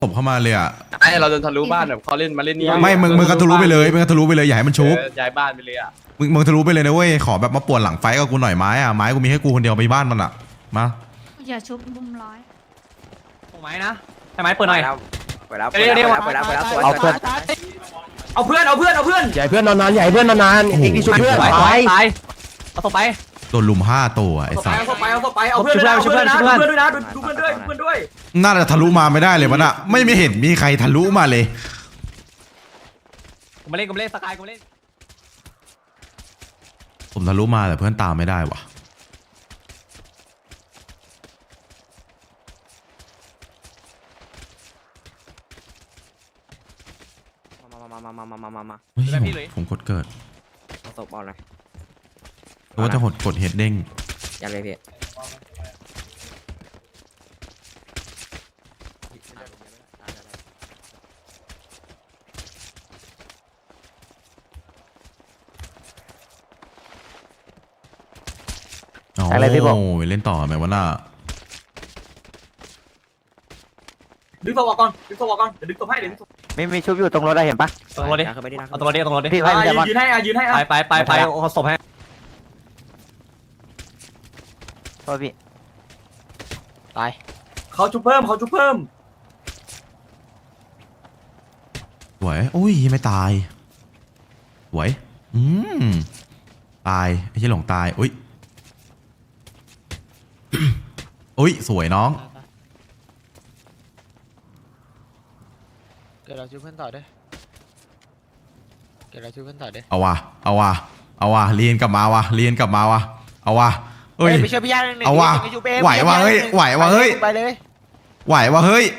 ผมเข้ามาเลยอ่ะไอเราจะทะลุบ้านแบบเขาเล่นมาเล่นนี่ไม่มึงก็ทะลุไปเลยมึงก็ทะลุไปเลยอย่าให้มันชุบย้ายบ้านไปเลยอ่ะมึงทะลุไปเลยนะเว้ยขอแบบมาป่วนหลังไฟกับกูหน่อยไม้อะไม้กูมีให้กูคนเดียวไปบ้านมันอ่ะมาอย่าชุบบุมร้อยถูกไหมนะใช่ไหมเปิดหน่อยเปิดแล้วเดี๋ยวเปิดแล้วสวยเอาเพื่อนเอาเพื่อนเอาเพื่อนเอาเพื่อนใหญ่เพื่อนนอนๆใหญ่เพื่อนนอนๆเอกที่ช่วยเพื่อนตายตายเอาต่อไปโดนลุม5ตัวไอ้สัสเอาต่อไปเอาต่อไปเอาเพื่อนด้วยนะเอาเพื่อนด้วยนะดูเพื่อนด้วยเพื่อนด้วยน่าจะทะลุมาไม่ได้เลยมันอะไม่เห็นมีใครทะลุมาเลยกูมาเล่นสกายกูเล่นผมทะลุมาแต่เพื่อนตามไม่ได้ว่ะมาเฮ้ยผมกดเกิดเอาศพเอาเลยเพราะว่าจะกดเฮดเด้งยันเลยพี่อะไรพี่บอกเล่นต่อไหมวะน่าดึงตัวก่อนดึงตัวก่อนเดี๋ยวดึงตัวให้เดี๋ยวดึงตัวมีชุบอยู่ตรงรถได้เห็นปะตรงรถดิเอาตรงรถดิตรงรถดิพี่ให้พี่จะบอลยืนให้ไปเอาศพให้โทษพี่ตายเขาชุบเพิ่มสวยอุ้ยไม่ตายสวยตายไม่ใช่หลงตายอุ้ย อุ้ยสวยน้องเกิดเราช่วยเพื่อนต่อด้วยเกิดเราช่วยเพื่อนต่อด้วยเอาว่ะเรียนกลับมาว่ะเอาว่ะเฮ้ยไปช่วยพี่ย่าหนึ่งเอาว่ะ ไหวว่ะเฮ้ยไหวว่ะเฮ้ยไปเลยไหวว่ะเฮ้ย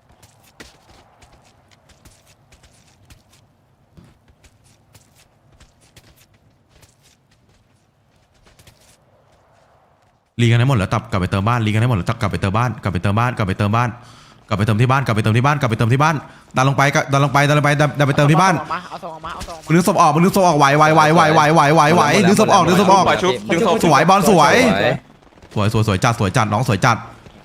รีกันให้หมดแล้วกลับไปเติมบ้านรีกันให้หมดแล้วกลับไปเติมบ้านกลับไปเติมที่บ้านดันลงไปดันไปเติมที่บ้านเอาส่งออกมามึงนึกศพออกไหวดึงศพออกสวยบอลสวยจัดน้องสวยจัด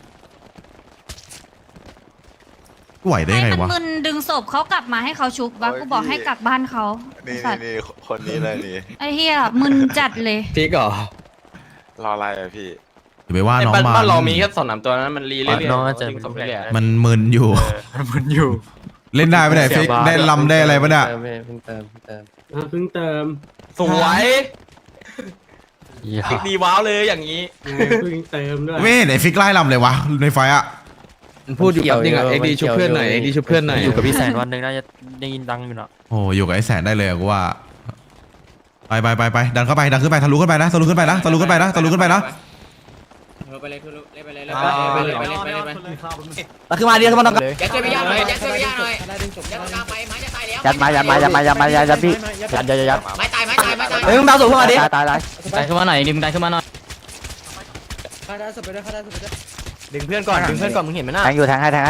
ไหวได้ให้ไงมันวะมึนดึงศพเขากลับมาให้เขาชุบวะกูบอกให้กลับบ้านเขานี่สัตว์นี่คนนี้เลยนี่ไอ้เหี้ยมึนจัดเลยพี่ก่อรออะไรอะพี่อย่าไปว่าน้องมาบ้านเรามีแค่2-3ตัวนั้นมันรีเรื่อยๆน้องจะดึงศพเรื่อยมันมึนอยู่มันอยู่เล่นได้ไหมเนี่ยฟิกได้ลำได้อะไรปะเนี่ยเพิ่งเติมสวยฟิกดีว้าวเลยอย่างนี้ไม่เห็นไอ้ฟิกไล่ลำเลยวะในไฟอะพูดอยู่กับจริงอ่ะเอ็กดีชุบเพื่อนหน่อยอยู่กับพี่แสนวันหนึ่งน่าจะได้ยินดังอยู่เนาะโอ้อยู่กับไอ้แสนได้เลยกูว่าไปดันเข้าไปดันขึ้นไปทะลุขึ้นไปนะขึ้นมาเรียกขึ้นมาต้องเลยยัดช่วยพี่ย่าหน่อยยัดช่วยพี่ย่าหน่อยยัดตามไปไม้จะตายแล้วยัดมาพี่ยัดไม้ตายเฮ้ยมึงดาวสูงขึ้นมาดิตายดันขึ้นมาหน่อยดิมึงดันขึ้นมาหน่อยดึงเพื่อนก่อนมึงเห็นไหมน่ะแทงอยู่แทงให้ตาย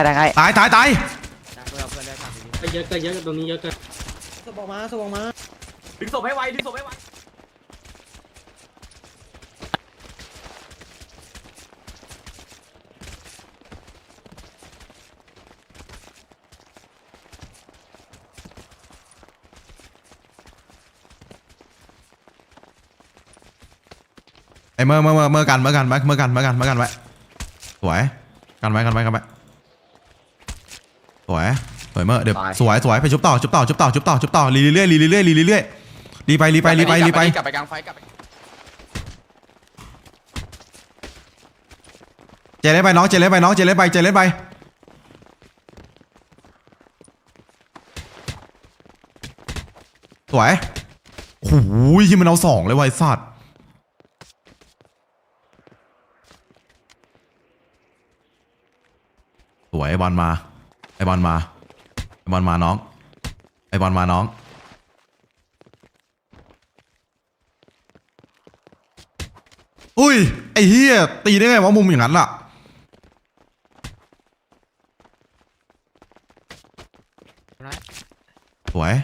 ดึงศพให้ไวไอ้เมื่อกันไว้สวยกันไว้สวยเมื่อเดี๋ยวสวยไปชุบต่อรีเรื่อยรีไปกลับไปกลางไฟกลับไปเจเล่นไปสวยโอ้โหที่มันเอา2เลยไวสัตว์สวยไอ้บอลมาน้องอุ้ยไอ้เหี้ยตีได้ไงวะมุมอย่างนั้นล่ะสวย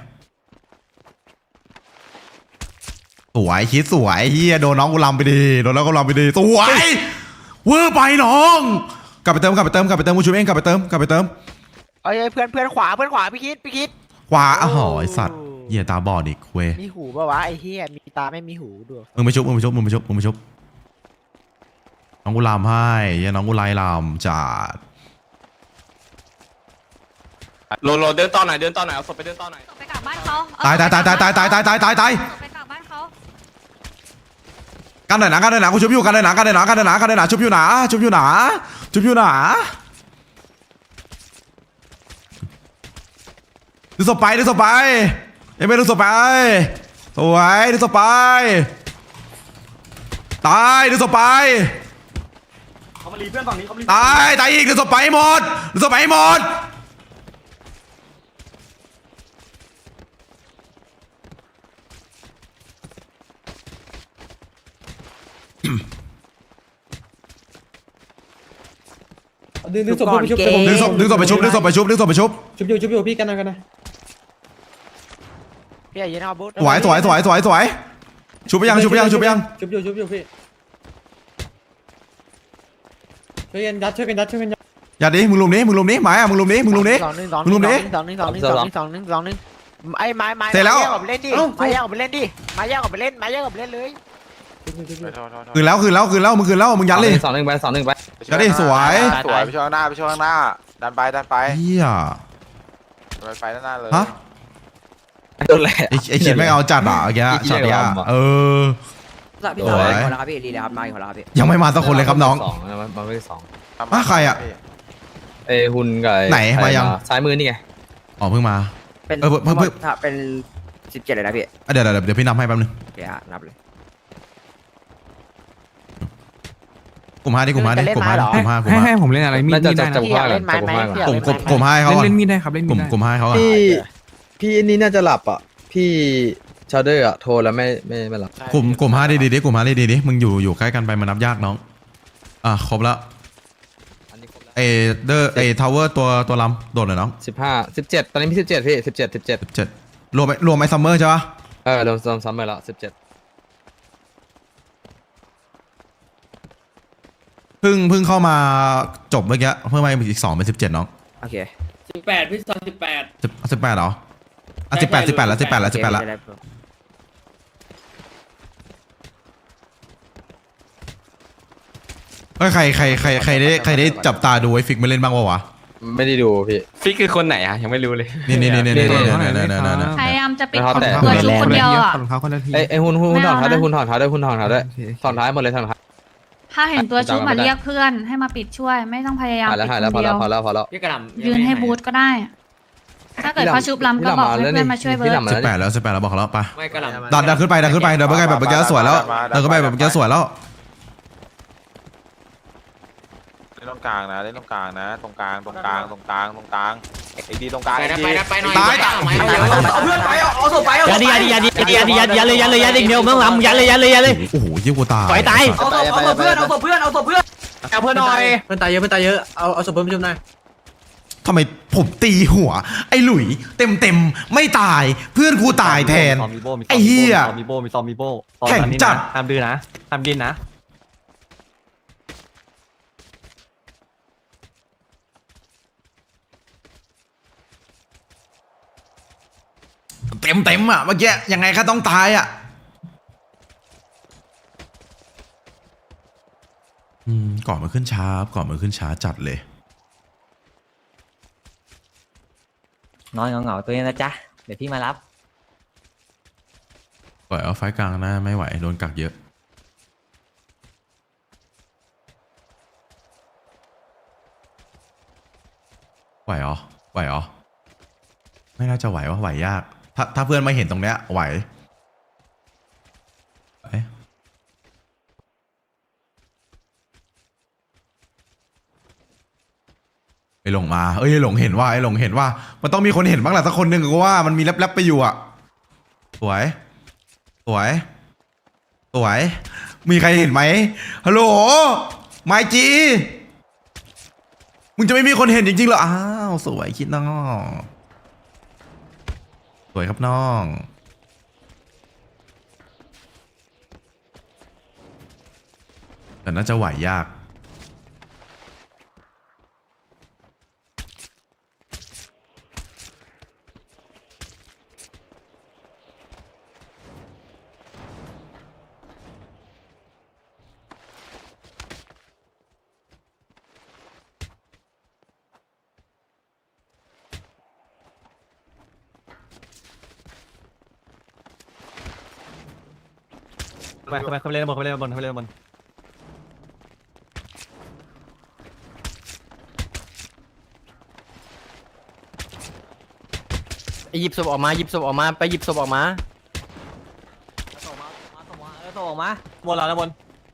คิดสวยเหี้ยโดนน้องกูลำไปดีสวยเวอร์ไปน้องกลับไปเติมกูชูเองกลับไปเติมเอ้ยเพื่อนขวาพี่คิดขวาอ้าวไอสัตว์เหี้ยตาบอดอีกเว้ยมีหูป่าวะไอ้เหี้ยมีตาไม่มีหูด้วยมึงไปชุบน้องกูลามให้เหี้ยน้องกูไล่ลามจัดโลเดินต่อหน่อยเอาศพไปเดินต่อหน่อยไปกลับบ้านเขาตายไปกลับบ้านเขากันหน่อยนะกูชุบอยู่กันหน่อยนะชุบอยู่หนาดูศพไปเอ้ยไม่ดูศพไปสวยดูศพไปตายดูศพไปเขามารีเพื่อนฝั่งนี้เขามารีตายอีกดูศพไปหมดดึงศพไปชุบดึงศพไปชุบชุบอยู่พี่กันนะพี่อย่ายืนเอาบูธสวยชุบไปยังชุบอยู่พี่ช่วยกันยัดอย่าดิมึงลุมนี้หมายอ่ะมึงลุมนี้ 2-1ไอ้ไม้เสร็จแล้วมาแยกออกไปเล่นดิมาแยกออกไปเล่นเลยคืนแล้วมึงยัดเลย 2-1ไปยัดดิสวยไปช่วงข้างหน้าดันไปเฮียไปด้านหน้าเลยฮะโดนแหละไอคิดไม่เอาจัดอ่ะแกช็อตเนี้ยสวยคนละครับพี่รีเลยครับมาอีกคนละครับพี่ยังไม่มาสักคนเลยครับน้องมาไม่สองใครอ่ะเอ้หุ่นกับไหนมายังซ้ายมือนี่ไงอ๋อเพิ่งมาเป็นเพิ่งถ้าเป็น17เลยนะพี่เดี๋ยวพี่นับให้แป๊บนึงโอเคฮะนับเลยกลุ่มห้าดิกลุ่มห้าให้ผมเล่นอะไรมีดน่าจะได้จันะบผ้ากันจับผ้ากันกลุ่มห้าเขาเล่นมีดได้ครับเล่นกมีลุ่ดมได้กลุ่มห้าเขาพี่นี่น่าจะหลับอ่ะพี่ชาเดอร์อ่ะโทรแล้วไม่หลับกลุ่มห้าดีกลุ่มห้าดีมึงอยู่ใกล้กันไปมันนับยากน้องครบแล้วอันนี้ครบแล้วเอทาวเวอร์ตัวลำโดดหน่อยน้อง 17ตอนนี้พี่17พี่17 รวมไอ้ซัมเมอร์ใช่ปะรวมซ้ำไปแล้ว17 เพิ่งเข้ามาจบเมื่อกี้เพิ่มมาอีก2เป็น17น้องโอเค 18พี่ตอน18 18เหรอ18แล้วเฮ้ยใครได้จับตาดูไอ้ฟิกมาเล่นบ้างวะไม่ได้ดูพี่ฟิกคือคนไหนอ่ะยังไม่รู้เลยนี่พยายามจะปิดไม่ตัวเข้าใจชุบคนเดียวอ่ะของเขาคนละทีไอ้หุ่นถอดเท้าด้วยถอดเท้าด้วยถอดท้ายหมดเลยถอดท้ายถ้าเห็นตัวชุบมาเรียกเพื่อนให้มาปิดช่วย ไม่ต้องพยายามถ่ายแล้วปิดพอคนแล้วเดียวพอแล้วพี่กระหล่ำยืนให้บูธก็ได้ ถ้าเกิดเขาชุบลำก็บอกให้เพื่อนมาช่วยเบิร์ด 18แล้วบอกเขาแล้วไปไม่กระหล่ำดันขึ้นไปเดินไปแบบเมื่อกี้สวยแล้วเดินขึ้นไปแบบเมื่อกี้สวยแล้วเล่นตรงกลางนะตรงกลางไอ้ดีตรงกลางไปหน่อยเอาเพื่อนไปเอาศพไปเอาศพไปยัดอีกเดียวมึงลำยัดเลยโอ้โหยิ่งกูตายต่อยตายเอาศพเพื่อนเอาศพเพื่อนเอาเพื่อนหน่อยเพื่อนตายเยอะเอาศพเพิ่มชุบหน่อยทำไมผมตีหัวไอ้หลุยเต็มไม่ตายเพื่อนกูตายแทนไอ้เหี้ยมีโบแข่งจัดห้ามดื้อนะห้ามดิ้นนะเต็มอ่ะเมื่อกี้ยังไงก็ต้องตายอ่ะก่อนมันขึ้นช้าจัดเลยนอนเหงาตัวนี้นะจ๊ะเดี๋ยวพี่มารับปล่อยเอาไฟกลางนะไม่ไหวโดนกักเยอะไหวเหรอไม่น่าจะไหวไหวยากถ้าเพื่อนมาเห็นตรงเนี้ยไหวไอ้หลงมาไอ้หลงเห็นว่ามันต้องมีคนเห็นบ้างแหละสักคนหนึ่งก็ว่ามันมีแลบๆไปอยู่อ่ะสวยมีใครเห็นไหมฮัลโหลไมจีมึงจะไม่มีคนเห็นจริงๆเหรออ้าวสวยคิดน้องสวยครับน้องแต่น่าจะไหวยากไปเล่นบอลเขาเล่นบอลเขาเล่นบอลหยิบศพออกมาหยิบศพออกมาไปหยิบศพออกมาส่งออกมาบอลเราแล้วบอล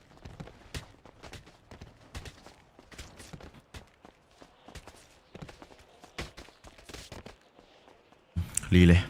รีเลย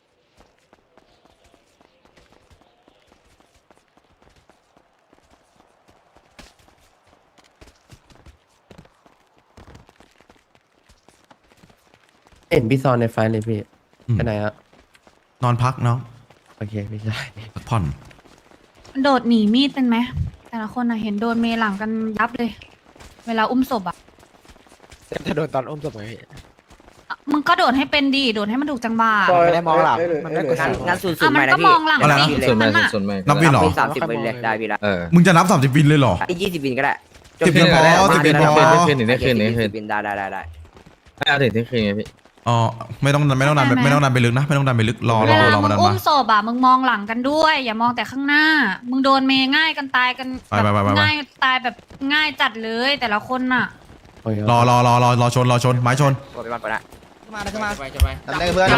เห็นพี่ซอนในไฟเลยพี่อืมไปไหนฮะนอนพักน้องโอเคพี่ชายพักผ่อนโดดหนีมีดเป็นไหมแต่ละคนอะเห็นโดนเมหลังกันยับเลย เวลาอุ้มศพอะจะโดนตอนอุ้มศพไหมพี่มึงก็โดดให้เป็นดีโดดให้มันถูกจังหวะไม่ได้มองหลังมันไม่กดงั้นศูนย์อ่ะมันก็มองหลังอะไรนะสิส่วนนั้มากนอะส่วนมากนับวินเหรอ 30 วินเลยได้พี่ละมึงจะนับ30 วินเลยเหรอ 20 วินก็ได้ 10 วินพอ10 วินพอได้คืนได้คืนได้คืน 10 วินได้ไม่เอาถึงที่คืนไงพี่อ๋อไม่ต้องดันไปลึกนะไม่ต้องดันไปลึกรอเวลามามึงดันอุ้มามศพอะมึงมองหลังกันด้วย อย่ามองแต่ข้างหน้า มึงโดนเมง่ายกันตายกันไปง่ายตายแบบง่ายจัดเลยแต่ละคนน่ะรอชนไม้ชนกดไปบ้านก่อนละมาจะมาจะไปทำได้เพื่อน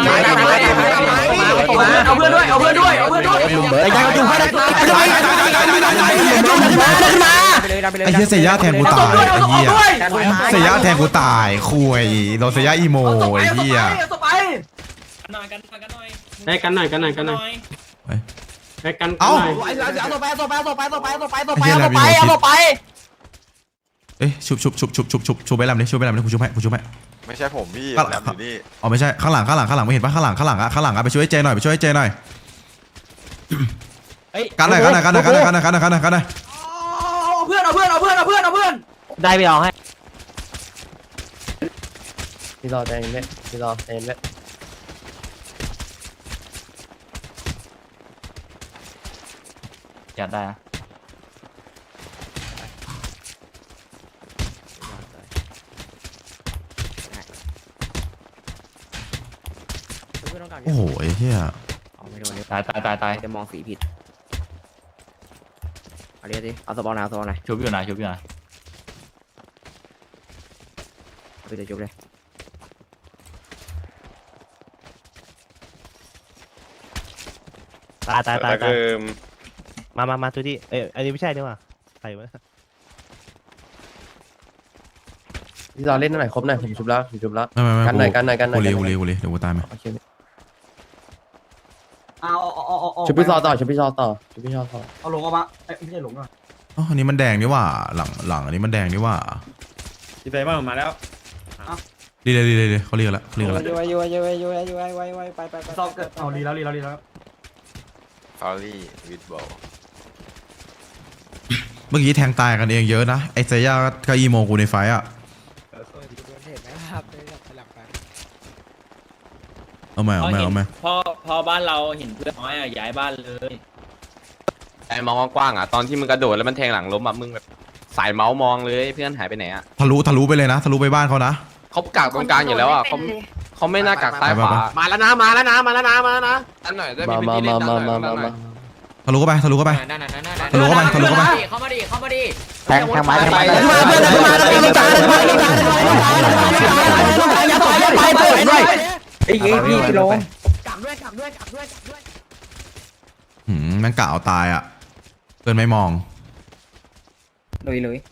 เอาเพื่อนด้วยเอาเพื่อนด้วยเอาเพื่อนด้วยไอ้ใจก็จุ่มให้ได้ไอ้เหี้ยเสียย่าแทนกูตายไอ้เหี้ยเสียย่าแทนกูตายคุยโดนเสียย่าอีโมไอ้เหี้ยไปให้กันหน่อยให้กันให้กันเอ้าเอาตัวไปเอาตัวไปเอาตัวไปเอาตัวไปเอาตัวไปเอาตัวไปไอ้เหี้ยเอาอะไรตัวไปมีเอาหัวคิดตัวไปเอ้ยชุบไปลำดิชุบไปลำดิกูชุบให้ไม่ใช่ผมพี่ก็แหลมอยู่นี่อ๋อไม่ใช่ข้างหลังไม่เห็นปะข้างหลังอะไปช่วยเจหน่อยกันหน่อยเอาเพื่อนเอาเพื่อนเอาเพื่อนเอาเพื่อนเอาเพื่อนได้ไปเอาให้พี่รอใจเย็นเลยพี่รอใจเย็นเลยจัดได้นะโอ้โหไอ้เหี้ยตายจะมองสีผิดเอาเรียกดิเอาสปอนไหนชุบอยู่ไหนไปจะชุบเลยตายมาทุกที่อันนี้ไม่ใช่ดีกว่าใครวะพี่รอเล่นหน่อยครบหน่อยผมชุบแล้วไม่กันหน่อยกันหน่อยกูรีเดี๋ยวกูตายไหมโอเคเอาชุบพี่ซอต่อชุบพี่ซอต่อเอาลงออกมาไม่ใช่หลงอ่ะอ๋ออันนี้มันแดงนี่ว่าหลังอันนี้มันแดงนี่ว่าที่ไปบ้านมาแล้วรีเลยเขาเรียกแล้วซอกเกิดเอาดีแล้วฟารี่วิดบอลเมื่อกี้แทงตายกันเองเยอะนะไอ้เซย่าก็อีโมกูในไฟอ่ะเอาไหมพอบ้านเราเห็นเพื่อนน้อยย้ายบ้านเลยไอ้มองกว้างๆอ่ะตอนที่มึงกระโดดแล้วมันแทงหลังล้มอ่ะมึงแบบสายเมาส์มองเลยเพื่อนหายไปไหนอ่ะทะลุไปเลยนะทะลุไปบ้านเขานะเขากักตรงกลางอยู่แล้วอ่ะเขาไม่น่ากักซ้ายขวามาแล้วนะอันหน่อยได้มีพื้นที่เล่นด้านหน่อยทะลุเข้าไปเข้ามาดิแทงไม้แทงไม้ไอ้พี่ลงกลับด้วยแม่งกะเอาตายอ่ะเกินไม่มองลุย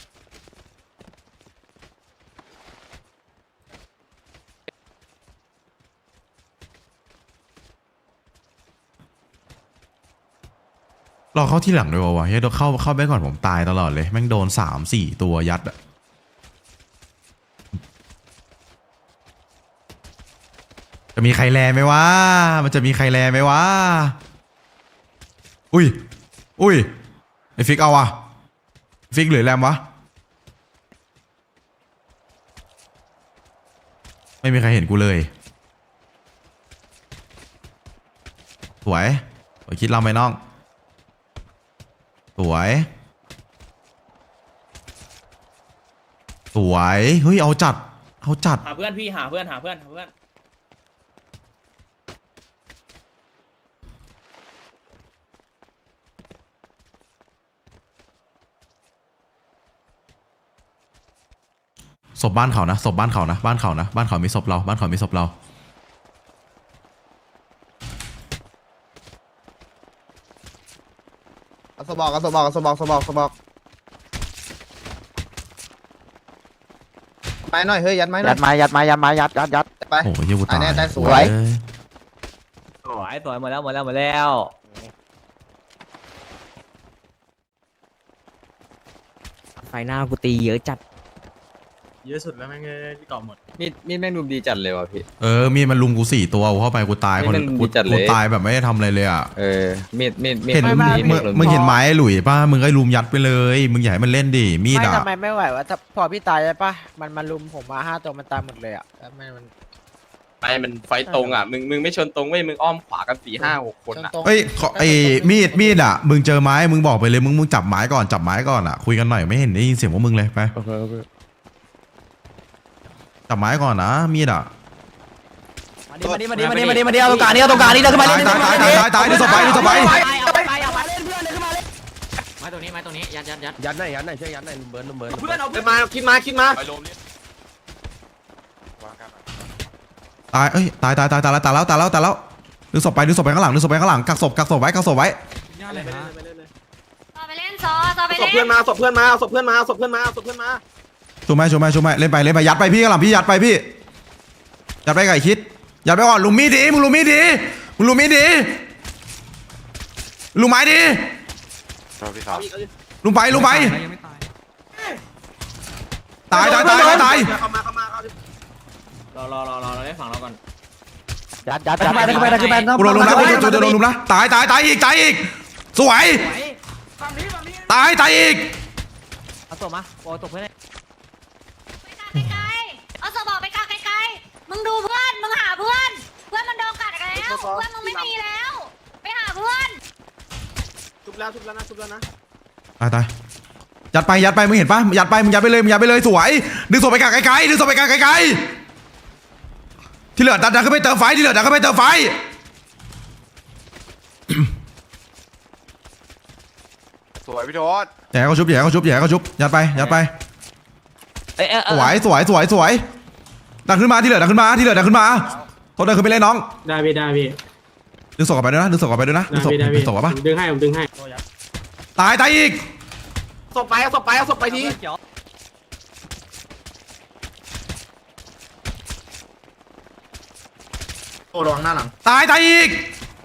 รอเข้าที่หลังด้วยวะเฮ้ยเข้าไปก่อนผมตายตลอดเลยแม่งโดน3-4 ตัวยัดอ่ะจะมีใครแลไหมวะมันจะมีใครแลไหมวะอุ้ยไอฟิกเอาอะฟิกหรือแรมวะไม่มีใครเห็นกูเลยสวยคิดเราไหมน้องสวยเฮ้ยเอาจัดหาเพื่อนพี่หาเพื่อนศพบ้านเขานะศพบ้านเขานะบ้านเขานะบ้านเขามีศพเราบ้านเขามีศพเราสบอกสบอกสบอกสบอกสบอกไม้หน่อยเฮ้ยยัดไม้หน่อยยัดไม้ยัดไม้ยัดไม้ยัดไปโอ้ยเหี้ยกูตายแน่ได้สวยเอ้ยสวยสวยหมดแล้วหมดแล้วหมดแล้ว ไฟหน้ากูตีเยอะจัดเยอะสุดแล้วแม่งที่เกาะหมดมีดแม่งรุมดีจัดเลยว่ะพี่มีดมันลุมกู4 ตัวกูเข้าไปกูตายคนนี่มันกูจัดเลยกูตายแบบไม่ได้ทำอะไรเลยอ่ะมีดเห็นมึงเห็นไม้หลุยป่ะมึงก็ลุมยัดไปเลยมึงอย่าให้มันเล่นดิมีดไม่อ่ะทำไมไม่ไหววะถ้าพอพี่ตายใช่ปะมันมาลุมผมมา5 ตัวมันตายหมดเลยอ่ะแล้วมันไม่มันไฟตรงอ่ะมึงไม่ชนตรงเว้ยมึงอ้อมขวากัน4 5 6 คนอ่ะตรงเอ้ยมีดอ่ะมึงเจอไม้มึงบอกไปเลยมึงจับไม้ก่อนจับไม้ก่อนอ่ะคุยกันหน่อยไม่เห็นได้ยินเสียงพวกมึงเลยไปจับไม้ก่อนนะมีดอ่ะมาดิมาดิเอาตรงกลางนี้เอาตรงกลางนี้เดินขึ้นมาเล่นตายดูศพไปดูศพไปไม้ตรงนี้ยัดยัดหน่อยช่วยยัดหน่อยเบิร์นเบิร์นเพื่อนเอาเดินมาคิดมาไปโรมเนี่ยว่ากันตายแล้วดึงศพไปข้างหลังกักศพไว้ต่อไปเล่นซอไปศพเล่นเพื่อนมาศพเพื่อนมาศพเพื่อนมาช่วยไหมเล่นไปยัดไปพี่ข้างหลังพี่ยัดไปพี่ยัดไปไก่คิดยัดไปก่อนลุมมีดดิมึงลุมมีดดิลุมไม้ดิชอบพี่ครับลุมไปตายเข้ามารอได้ฝั่งเราก่อนยัดขึ้นไปขึ้นไปกูโดนลุมนะกูโดนลุมนะตายอีกสวยตายอีกเอาตัวมาโอ้ตัวเพื่อนไปกาไกลๆเอาสบอกไปกาไกลๆมึงดูเพื่อนมึงหาเพื่อนมันโดนกัดแล้วเพื่อนมึงไม่มีแล้วไปหาเพื่อนชุบแล้วนะตายยัดไปมึงเห็นปะยัดไปมึงยัดไปเลยสวยดึงศพไปไกลๆที่เหลือดันขึ้นไปเติมไฟสวยพี่โทษอย่าให้เขาชุบยัดไปสวยดันขึ้นมาที่เหลือดันขึ้นมาโทษเดินขึ้นไปเลยน้องได้พี่ดึงศพกลับไปด้วยนะดึงศพกลับไปปะดึงให้ผมดึงให้ตายอีกศพไปทีโอ้ระวังหน้าหลังตายอีก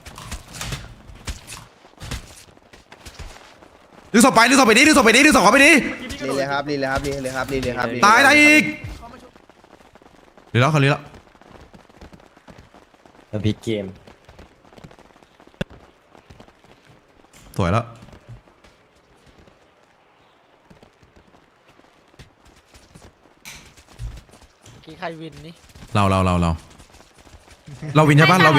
ดึงศพไปดิดึงศพเข้าไปดิลีเลยครับตายอีกลีแล้วพีเกมสวยแล้วกี่ใครวินนี่เราวินใช่ปะเราวิน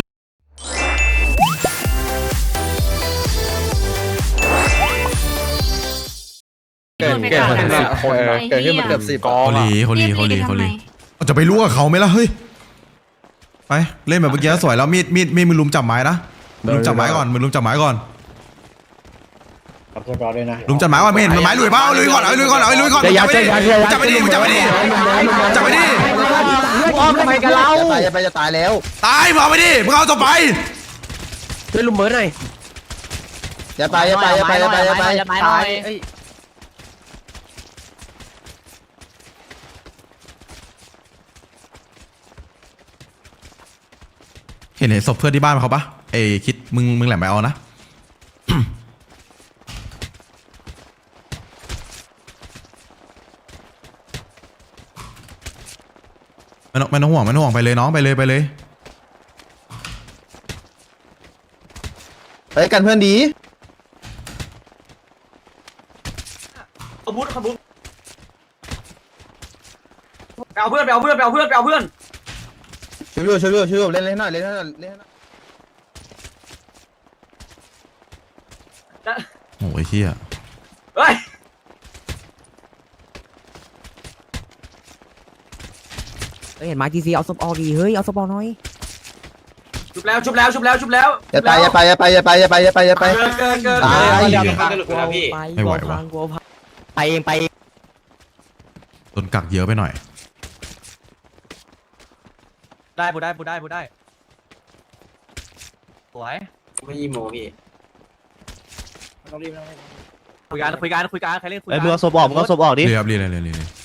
เกิดขึ้นมาเกิดขึ้นมาเกือบ10 เขาลีจะไปรู้กับเขาไหมล่ะเฮ้ยไปเล่นแบบเมื่อกี้สวยแล้วมีดมึงลุมจับไม้นะมึงลุมจับไม้ก่อนลุมจับไม้ก่อนไม่เห็นไม้ลุยเปล่าลุยก่อนจับไปดิอ้อมทำไมกันเราจะตายแล้วตายมึงเอาไปดิมึงเอาต่อไปช่วยลุมเบิร์นหน่อยอย่าไปตายเห็นศพเพื่อนที่บ้านเขาปะคิดมึงแหลมไปเอานะไม่ต้องห่วงไปเลยน้องไปเลยไปกันเพื่อนดีขบุญไปเอาเพื่อนช่วยเล่นหน่อยโอ้ยเฮียเฮ้ยเห็นไม้ทีซีเอาศพออกดีเฮ้ยเอาศพออกหน่อยชุบแล้วอย่าไปเกินตายไม่ไหววะไปเองโดนกักเยอะไปหน่อยได้พูดได้พูดได้พูดได้สวยไม่ยีโมพี่ต้องรีบต้องรีบคุยกันคุยกันคุยกันใครเล่นคุยเอ้ยกัมึงเอาศพออกมึงเอาศพออกดิรีครับรีเลย